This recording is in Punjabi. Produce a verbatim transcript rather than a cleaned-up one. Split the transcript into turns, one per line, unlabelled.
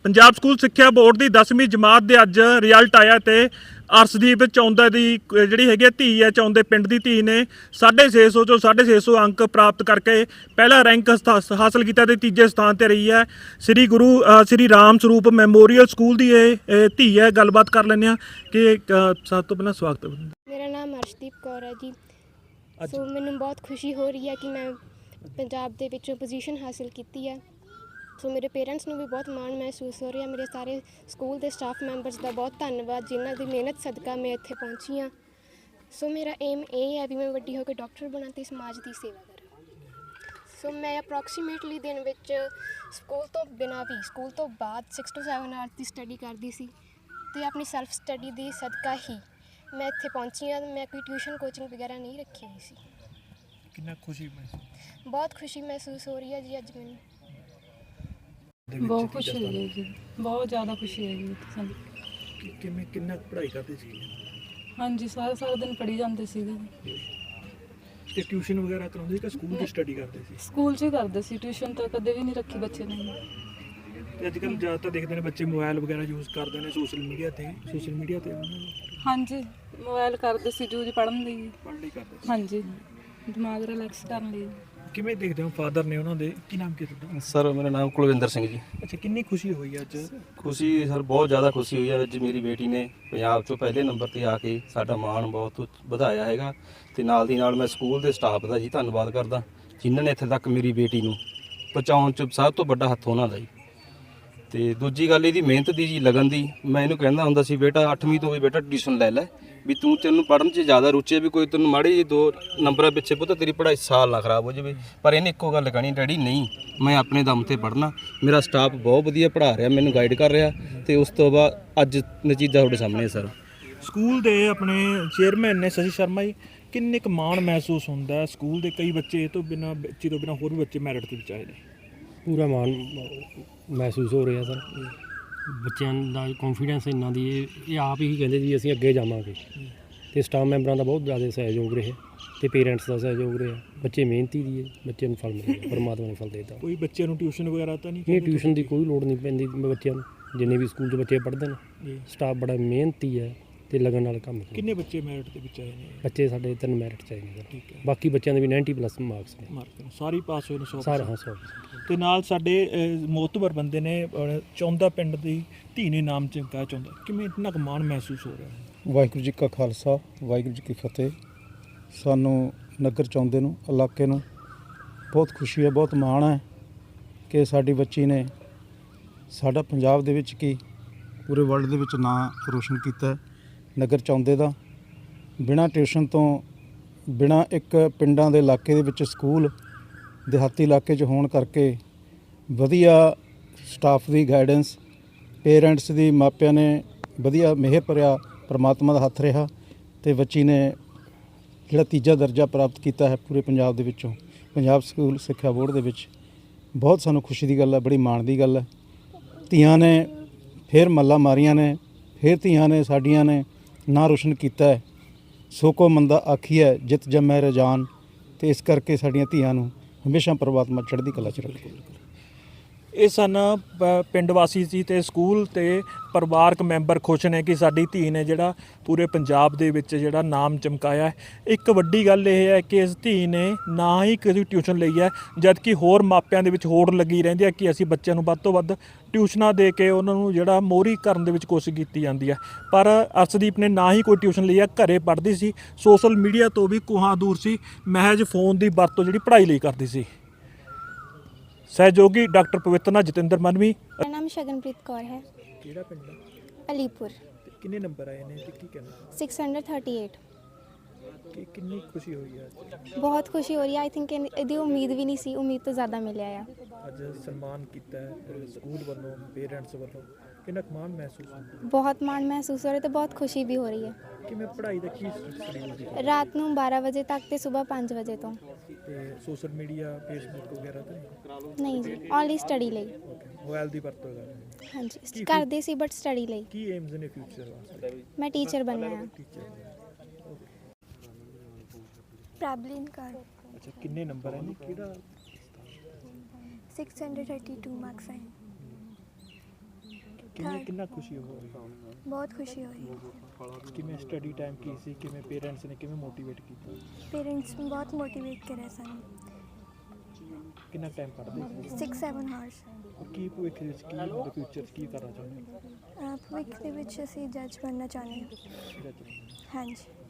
ਪੰਜਾਬ ਸਕੂਲ ਸਿੱਖਿਆ ਬੋਰਡ ਦੀ ਦਸਵੀਂ ਜਮਾਤ ਦੇ ਅੱਜ ਰਿਜ਼ਲਟ ਆਇਆ ਤੇ ਅਰਸ਼ਦੀਪ ਚੌਂਦਾ ਦੀ ਜਿਹੜੀ ਹੈਗੀ ਧੀ ਹੈ, ਚੌਂਦੇ ਪਿੰਡ ਦੀ ਧੀ ਨੇ ਸਾਢੇ ਛੇ ਸੌ ਚੋਂ ਸਾਢੇ ਛੇ ਸੌ ਅੰਕ ਪ੍ਰਾਪਤ ਕਰਕੇ ਪਹਿਲਾ ਰੈਂਕ ਹਾਸਲ ਕੀਤਾ ਤੇ ਤੀਜੇ ਸਥਾਨ ਤੇ ਰਹੀ ਹੈ। ਸ੍ਰੀ ਗੁਰੂ ਸ੍ਰੀ ਰਾਮ ਸਰੂਪ ਮੈਮੋਰੀਅਲ ਸਕੂਲ ਦੀ ਇਹ ਧੀ ਹੈ। ਗੱਲਬਾਤ ਕਰ ਲੈਂਦੇ ਹਾਂ ਕਿ ਸਭ ਤੋਂ ਪਹਿਲਾਂ ਸਵਾਗਤ।
ਮੇਰਾ ਨਾਮ ਅਰਸ਼ਦੀਪ ਕੌਰ ਹੈ ਜੀ। ਸੋ ਮੈਨੂੰ ਬਹੁਤ ਖੁਸ਼ੀ ਹੋ ਰਹੀ ਹੈ ਕਿ ਮੈਂ ਪੰਜਾਬ ਦੇ ਵਿੱਚੋਂ ਪੋਜੀਸ਼ਨ ਹਾਸਿਲ ਕੀਤੀ ਹੈ। ਸੋ ਮੇਰੇ ਪੇਰੈਂਟਸ ਨੂੰ ਵੀ ਬਹੁਤ ਮਾਣ ਮਹਿਸੂਸ ਹੋ ਰਿਹਾ। ਮੇਰੇ ਸਾਰੇ ਸਕੂਲ ਦੇ ਸਟਾਫ ਮੈਂਬਰਸ ਦਾ ਬਹੁਤ ਧੰਨਵਾਦ ਜਿਨ੍ਹਾਂ ਦੀ ਮਿਹਨਤ ਸਦਕਾ ਮੈਂ ਇੱਥੇ ਪਹੁੰਚੀ ਹਾਂ। ਸੋ ਮੇਰਾ ਏਮ ਇਹ ਹੈ ਵੀ ਮੈਂ ਵੱਡੀ ਹੋ ਕੇ ਡਾਕਟਰ ਬਣਾ ਅਤੇ ਸਮਾਜ ਦੀ ਸੇਵਾ ਕਰਾਂ। ਸੋ ਮੈਂ ਅਪਰੋਕਸੀਮੇਟਲੀ ਦਿਨ ਵਿੱਚ ਸਕੂਲ ਤੋਂ ਬਿਨਾਂ ਵੀ ਸਕੂਲ ਤੋਂ ਬਾਅਦ ਸਿਕਸ ਟੂ ਸੈਵਨ ਆਵਰਸ ਦੀ ਸਟੱਡੀ ਕਰਦੀ ਸੀ ਅਤੇ ਆਪਣੀ ਸੈਲਫ ਸਟੱਡੀ ਦੀ ਸਦਕਾ ਹੀ ਮੈਂ ਇੱਥੇ ਪਹੁੰਚੀ ਹਾਂ। ਮੈਂ ਕੋਈ ਟਿਊਸ਼ਨ ਕੋਚਿੰਗ ਵਗੈਰਾ ਨਹੀਂ ਰੱਖੀ ਹੋਈ ਸੀ।
ਕਿੰਨਾ ਖੁਸ਼ੀ ਮਹਿਸੂਸ
ਬਹੁਤ ਖੁਸ਼ੀ ਮਹਿਸੂਸ ਹੋ ਰਹੀ ਹੈ ਜੀ ਅੱਜ ਮੈਨੂੰ।
ਬਹੁਤ ਖੁਸ਼ੀ ਹੋਈ ਹੈ ਜੀ, ਬਹੁਤ ਜ਼ਿਆਦਾ ਖੁਸ਼ੀ ਹੈ ਜੀ ਸਾਨੂੰ।
ਕਿਵੇਂ ਕਿੰਨਾ ਪੜ੍ਹਾਈ ਕਰਦੇ ਸੀ?
ਹਾਂਜੀ, ਸਾਰਾ ਸਾਰਾ ਦਿਨ ਪੜ੍ਹੀ ਜਾਂਦੇ ਸੀਗੇ।
ਤੇ ਟਿਊਸ਼ਨ ਵਗੈਰਾ ਕਰਾਉਂਦੇ ਸੀ ਕਿ ਸਕੂਲ ਦੀ ਸਟੱਡੀ ਕਰਦੇ ਸੀ?
ਸਕੂਲ 'ਚ ਹੀ ਕਰਦੇ ਸੀ, ਟਿਊਸ਼ਨ ਤਾਂ ਕਦੇ ਵੀ ਨਹੀਂ ਰੱਖੀ ਬੱਚੇ ਨੇ।
ਤੇ ਅੱਜ ਕੱਲ੍ਹ ਜ਼ਿਆਦਾਤਰ ਦੇਖਦੇ ਨੇ ਬੱਚੇ ਮੋਬਾਈਲ ਵਗੈਰਾ ਯੂਜ਼ ਕਰਦੇ ਨੇ ਸੋਸ਼ਲ ਮੀਡੀਆ ਤੇ ਸੋਸ਼ਲ ਮੀਡੀਆ ਤੇ
ਹਾਂਜੀ, ਮੋਬਾਈਲ ਕਰਦੇ ਸੀ ਯੂਜ਼ ਪੜ੍ਹਨ ਲਈ।
ਪੜ੍ਹਨ ਲਈ ਕਰਦੇ ਸੀ?
ਹਾਂਜੀ, ਦਿਮਾਗ ਰਿਲੈਕਸ ਕਰਨ ਲਈ।
ਕਿਵੇਂ ਦੇਖਦੇ ਹੋ ਫਾਦਰ ਨੇ ਉਹਨਾਂ ਦੇ? ਕੀ ਨਾਮ ਕੀ ਤੁਹਾਡਾ?
ਸਰ ਮੇਰਾ ਨਾਮ ਕੁਲਵਿੰਦਰ ਸਿੰਘ ਜੀ।
ਅੱਛਾ, ਕਿੰਨੀ ਖੁਸ਼ੀ ਹੋਈ ਅੱਜ?
ਖੁਸ਼ੀ ਸਰ ਬਹੁਤ ਜ਼ਿਆਦਾ ਖੁਸ਼ੀ ਹੋਈ ਹੈ। ਅੱਜ ਮੇਰੀ ਬੇਟੀ ਨੇ ਪੰਜਾਬ 'ਚੋਂ ਪਹਿਲੇ ਨੰਬਰ 'ਤੇ ਆ ਕੇ ਸਾਡਾ ਮਾਣ ਬਹੁਤ ਵਧਾਇਆ ਹੈਗਾ। ਅਤੇ ਨਾਲ ਦੀ ਨਾਲ ਮੈਂ ਸਕੂਲ ਦੇ ਸਟਾਫ ਦਾ ਜੀ ਧੰਨਵਾਦ ਕਰਦਾ ਜਿਨ੍ਹਾਂ ਨੇ ਇੱਥੇ ਤੱਕ ਮੇਰੀ ਬੇਟੀ ਨੂੰ ਪਹੁੰਚਾਉਣ 'ਚ ਸਭ ਤੋਂ ਵੱਡਾ ਹੱਥ ਉਹਨਾਂ ਦਾ ਜੀ। ਅਤੇ ਦੂਜੀ ਗੱਲ ਇਹਦੀ ਮਿਹਨਤ ਦੀ ਜੀ, ਲਗਨ ਦੀ। ਮੈਂ ਇਹਨੂੰ ਕਹਿੰਦਾ ਹੁੰਦਾ ਸੀ ਬੇਟਾ ਅੱਠਵੀਂ ਤੋਂ ਵੀ ਬੇਟਾ ਟਿਊਸ਼ਨ ਲੈ ਲੈ, ਵੀ ਤੂੰ ਤੈਨੂੰ ਪੜ੍ਹਨ 'ਚ ਜ਼ਿਆਦਾ ਰੁਚੀ ਹੈ, ਵੀ ਕੋਈ ਤੈਨੂੰ ਮਾੜੇ ਜਿਹੇ ਦੋ ਨੰਬਰਾਂ ਪਿੱਛੇ ਪੁੱਤ ਤੇਰੀ ਪੜ੍ਹਾਈ ਸਾਲ ਨਾ ਖਰਾਬ ਹੋ ਜਾਵੇ। ਪਰ ਇਹਨੇ ਇੱਕੋ ਗੱਲ ਕਹਿਣੀ, ਡੈਡੀ ਨਹੀਂ, ਮੈਂ ਆਪਣੇ ਦਮ 'ਤੇ ਪੜ੍ਹਨਾ। ਮੇਰਾ ਸਟਾਫ ਬਹੁਤ ਵਧੀਆ ਪੜ੍ਹਾ ਰਿਹਾ, ਮੈਨੂੰ ਗਾਈਡ ਕਰ ਰਿਹਾ ਅਤੇ ਉਸ ਤੋਂ ਬਾਅਦ ਅੱਜ ਨਤੀਜਾ ਤੁਹਾਡੇ ਸਾਹਮਣੇ ਸਰ।
ਸਕੂਲ ਦੇ ਆਪਣੇ ਚੇਅਰਮੈਨ ਨੇ ਸ਼ਸ਼ੀ ਸ਼ਰਮਾ ਜੀ, ਕਿੰਨੇ ਕੁ ਮਾਣ ਮਹਿਸੂਸ ਹੁੰਦਾ ਸਕੂਲ ਦੇ ਕਈ ਬੱਚੇ ਇਹ ਤੋਂ ਬਿਨਾਂ ਬੱਚੇ ਤੋਂ ਬਿਨਾਂ ਹੋਰ ਵੀ ਬੱਚੇ ਮੈਰਿਟ 'ਤੇ ਵਿੱਚ ਆਏ ਨੇ?
ਪੂਰਾ ਮਾਣ ਮਹਿਸੂਸ ਹੋ ਰਿਹਾ ਸਰ। ਬੱਚਿਆਂ ਦਾ ਕੌਨਫੀਡੈਂਸ ਇੰਨਾ ਦੀ ਇਹ ਇਹ ਆਪ ਹੀ ਕਹਿੰਦੇ ਜੀ ਅਸੀਂ ਅੱਗੇ ਜਾਵਾਂਗੇ। ਅਤੇ ਸਟਾਫ ਮੈਂਬਰਾਂ ਦਾ ਬਹੁਤ ਜ਼ਿਆਦਾ ਸਹਿਯੋਗ ਰਿਹਾ ਅਤੇ ਪੇਰੈਂਟਸ ਦਾ ਸਹਿਯੋਗ ਰਿਹਾ। ਬੱਚੇ ਮਿਹਨਤੀ ਦੀ ਹੈ, ਬੱਚੇ ਨੂੰ ਫਲ ਮਿਲੇਗਾ, ਪਰਮਾਤਮਾ ਨੇ ਫਲ ਦੇ ਦਿੱਤਾ।
ਕੋਈ ਬੱਚਿਆਂ ਨੂੰ ਟਿਊਸ਼ਨ ਵਗੈਰਾ ਤਾਂ ਨਹੀਂ?
ਇਹ ਟਿਊਸ਼ਨ ਦੀ ਕੋਈ ਲੋੜ ਨਹੀਂ ਪੈਂਦੀ ਬੱਚਿਆਂ ਨੂੰ, ਜਿੰਨੇ ਵੀ ਸਕੂਲ 'ਚ ਬੱਚੇ ਪੜ੍ਹਦੇ ਨੇ। ਸਟਾਫ ਬੜਾ ਮਿਹਨਤੀ ਹੈ ਅਤੇ ਲਗਨ ਨਾਲ ਕੰਮ ਕਰਦਾ।
ਕਿੰਨੇ ਬੱਚੇ ਮੈਰਿਟ ਦੇ ਵਿੱਚ ਆਏ ਨੇ?
ਬੱਚੇ ਸਾਡੇ ਤਿੰਨ ਮੈਰਿਟ 'ਚ ਆਏ ਨੇ ਸਰ।
ਠੀਕ ਹੈ।
ਬਾਕੀ ਬੱਚਿਆਂ ਦੇ ਵੀ ਨਾਈਨਟੀ ਪਲੱਸ ਮਾਰਕਸ ਨੇ।
ਮਾਰਕ ਸਾਰੇ ਪਾਸ ਹੋਏ ਨੇ? ਸੌ
ਸਾਰੇ ਹਾਂ, ਸੌ।
ਤੇ ਨਾਲ ਸਾਡੇ ਮੋਤਬਰ ਬੰਦੇ ਨੇ ਚੌਂਦਾ ਪਿੰਡ ਦੀ ਧੀ ਨੇ ਨਾਮ ਚਮਕਾਇਆ ਚੌਂਦਾ। ਕਿਵੇਂ ਇੰਨਾ ਕੁ ਮਾਣ ਮਹਿਸੂਸ ਹੋ ਰਿਹਾ?
ਵਾਹਿਗੁਰੂ ਜੀ ਕਾ ਖਾਲਸਾ, ਵਾਹਿਗੁਰੂ ਜੀ ਕੀ ਫਤਿਹ। ਸਾਨੂੰ ਨਗਰ ਚੌਂਦੇ ਨੂੰ, ਇਲਾਕੇ ਨੂੰ ਬਹੁਤ ਖੁਸ਼ੀ ਹੈ, ਬਹੁਤ ਮਾਣ ਹੈ ਕਿ ਸਾਡੀ ਬੱਚੀ ਨੇ ਸਾਡਾ ਪੰਜਾਬ ਦੇ ਵਿੱਚ ਕੀ ਪੂਰੇ ਵਰਲਡ ਦੇ ਵਿੱਚ ਨਾਂ ਰੋਸ਼ਨ ਕੀਤਾ ਹੈ। ਨਗਰ ਚੌਂਦੇ ਦਾ ਬਿਨਾਂ ਟਿਊਸ਼ਨ ਤੋਂ, ਬਿਨਾਂ ਇੱਕ ਪਿੰਡਾਂ ਦੇ ਇਲਾਕੇ ਦੇ ਵਿੱਚ ਸਕੂਲ ਦਿਹਾਤੀ ਇਲਾਕੇ 'ਚ ਹੋਣ ਕਰਕੇ ਵਧੀਆ ਸਟਾਫ ਦੀ ਗਾਈਡੈਂਸ, ਪੇਰੈਂਟਸ ਦੀ, ਮਾਪਿਆਂ ਨੇ ਵਧੀਆ ਮਿਹਰ ਭਰਿਆ ਪਰਮਾਤਮਾ ਦਾ ਹੱਥ ਰਿਹਾ ਅਤੇ ਬੱਚੀ ਨੇ ਜਿਹੜਾ ਤੀਜਾ ਦਰਜਾ ਪ੍ਰਾਪਤ ਕੀਤਾ ਹੈ ਪੂਰੇ ਪੰਜਾਬ ਦੇ ਵਿੱਚੋਂ, ਪੰਜਾਬ ਸਕੂਲ ਸਿੱਖਿਆ ਬੋਰਡ ਦੇ ਵਿੱਚ। ਬਹੁਤ ਸਾਨੂੰ ਖੁਸ਼ੀ ਦੀ ਗੱਲ ਹੈ, ਬੜੀ ਮਾਣ ਦੀ ਗੱਲ ਹੈ। ਧੀਆਂ ਨੇ ਫਿਰ ਮੱਲਾਂ ਮਾਰੀਆਂ ਨੇ, ਫਿਰ ਧੀਆਂ ਨੇ ਸਾਡੀਆਂ ਨੇ ਨਾਂ ਰੋਸ਼ਨ ਕੀਤਾ ਹੈ। ਸੋ ਕੋ ਮੰਦਾ ਆਖੀਐ ਜਿਤ ਜੰਮੈ ਰਜਾਨ। ਅਤੇ ਇਸ ਕਰਕੇ ਸਾਡੀਆਂ ਧੀਆਂ ਨੂੰ ਹਮੇਸ਼ਾ ਪਰਮਾਤਮਾ ਚੜ੍ਹਦੀ ਕਲਾ 'ਚ ਰੱਖੇ।
ਇਹ ਸਨ ਪਿੰਡ ਵਾਸੀ ਸੀ ਅਤੇ ਸਕੂਲ ਅਤੇ ਪਰਿਵਾਰਕ ਮੈਂਬਰ ਖੁਸ਼ ਨੇ ਕਿ ਸਾਡੀ ਧੀ ਨੇ ਜਿਹੜਾ ਪੂਰੇ ਪੰਜਾਬ ਦੇ ਵਿੱਚ ਜਿਹੜਾ ਨਾਮ ਚਮਕਾਇਆ। ਇੱਕ ਵੱਡੀ ਗੱਲ ਇਹ ਹੈ ਕਿ ਇਸ ਧੀ ਨੇ ਨਾ ਹੀ ਕਿਸੇ ਟਿਊਸ਼ਨ ਲਈ ਹੈ, ਜਦ ਕਿ ਹੋਰ ਮਾਪਿਆਂ ਦੇ ਵਿੱਚ ਹੋੜ ਲੱਗੀ ਰਹਿੰਦੀ ਹੈ ਕਿ ਅਸੀਂ ਬੱਚਿਆਂ ਨੂੰ ਵੱਧ ਤੋਂ ਵੱਧ ਟਿਊਸ਼ਨਾਂ ਦੇ ਕੇ ਉਹਨਾਂ ਨੂੰ ਜਿਹੜਾ ਮੋਹਰੀ ਕਰਨ ਦੇ ਵਿੱਚ ਕੋਸ਼ਿਸ਼ ਕੀਤੀ ਜਾਂਦੀ ਹੈ। ਪਰ ਅਰਸ਼ਦੀਪ ਨੇ ਨਾ ਹੀ ਕੋਈ ਟਿਊਸ਼ਨ ਲਈ ਹੈ, ਘਰੇ ਪੜ੍ਹਦੀ ਸੀ, ਸੋਸ਼ਲ ਮੀਡੀਆ ਤੋਂ ਵੀ ਕੋਹਾਂ ਦੂਰ ਸੀ, ਮਹਿਜ ਫੋਨ ਦੀ ਵਰਤੋਂ ਜਿਹੜੀ ਪੜ੍ਹਾਈ ਲਈ ਕਰਦੀ ਸੀ। ਸਹਿਯੋਗੀ ਡਾਕਟਰ ਪਵਿੱਤਰਨਾਥ ਜਤਿੰਦਰ ਮਨਵੀ।
ਮੇਰਾ ਨਾਮ ਸ਼ਗਨਪ੍ਰੀਤ ਕੌਰ ਹੈ।
ਕਿਹੜਾ ਪਿੰਡ?
ਅਲੀਪੁਰ।
ਕਿੰਨੇ ਨੰਬਰ ਆਏ ਨੇ ਤੇ ਕੀ ਕਹਿਣਾ?
Six hundred thirty eight.
ਕਿ ਕਿੰਨੀ ਖੁਸ਼ੀ ਹੋਈ ਹੈ?
ਬਹੁਤ ਖੁਸ਼ੀ ਹੋ ਰਹੀ ਹੈ। ਆਈ ਥਿੰਕ ਇਹਦੀ ਉਮੀਦ ਵੀ ਨਹੀਂ ਸੀ, ਉਮੀਦ ਤੋਂ ਜ਼ਿਆਦਾ ਮਿਲਿਆ ਆ।
ਅੱਜ ਸਨਮਾਨ ਕੀਤਾ ਹੈ ਸਕੂਲ ਵੱਲੋਂ, ਪੇਰੈਂਟਸ ਵੱਲੋਂ, ਕਿੰਨਾ ਕੁ ਮਾਣ ਮਹਿਸੂਸ ਹੁੰਦਾ?
ਬਹੁਤ ਮਾਣ ਮਹਿਸੂਸ ਹੋ ਰਿਹਾ ਅਤੇ ਬਹੁਤ ਖੁਸ਼ੀ ਵੀ ਹੋ ਰਹੀ ਹੈ।
ਕਿਵੇਂ ਪੜ੍ਹਾਈ ਦਾ ਕੀ ਸ਼ਡਿਊਲ ਸੀ?
ਰਾਤ ਨੂੰ ਬਾਰਾਂ ਵਜੇ ਤੱਕ ਅਤੇ ਸਵੇਰ ਪੰਜ ਵਜੇ ਤੋਂ।
ਤੇ ਸੋਸ਼ਲ ਮੀਡੀਆ, ਫੇਸਬੁੱਕ ਵਗੈਰਾ ਤਾਂ
ਨਹੀਂ ਜੀ, ਓਨਲੀ ਸਟੱਡੀ ਲਈ।
ਮੋਬਾਈਲ ਦੀ ਵਰਤੋਂ ਕਰ ਰਹੇ?
ਹਾਂਜੀ, ਕਰਦੇ ਸੀ ਬਟ ਸਟੱਡੀ ਲਈ।
ਕੀ ਏਮਸ ਨੇ ਫਿਊਚਰ ਵਾਸਤੇ?
ਮੈਂ ਟੀਚਰ ਬਣਨਾ ਹੈ।
ਟੀਚਰ।
ਪ੍ਰੈਬਲਿਨ ਕਰ।
ਅੱਛਾ, ਕਿੰਨੇ ਨੰਬਰ ਹੈ ਨੇ? ਕਿਹੜਾ?
Six hundred thirty two marks ਹੈ।
ਕਿੰਨੀ
Third.
ਕਿੰਨਾ ਖੁਸ਼ੀ ਹੋ ਰਹੀ
ਬਹੁਤ ਖੁਸ਼ੀ ਹੋ ਰਹੀ ਹੈ।
ਕਿਵੇਂ ਸਟੱਡੀ ਟਾਈਮ ਕੀ ਸੀ, ਕਿਵੇਂ ਪੇਰੈਂਟਸ ਨੇ ਕਿਵੇਂ ਮੋਟੀਵੇਟ ਕੀਤਾ,
ਪੇਰੈਂਟਸ ਬਹੁਤ ਮੋਟੀਵੇਟ ਕਰਿਆ ਸਾਨੂੰ।
ਕਿੰਨਾ ਟਾਈਮ ਪੜ੍ਹਦੇ ਸੀ,
ਸਿਕਸ ਸੈਵਨ ਹਾਰਸ।
ਕੀ ਭਵਿੱਖ ਵਿੱਚ ਕੀ ਤੁਹਾਡੇ ਫਿਊਚਰ 'ਚ ਕੀ ਕਰਨਾ ਚਾਹੁੰਦੇ
ਭਵਿੱਖ ਦੇ ਵਿੱਚ ਅਸੀਂ ਜੱਜ ਬਣਨਾ ਚਾਹੁੰਦੇ ਹਾਂ।
ਹੋ?
ਹਾਂਜੀ।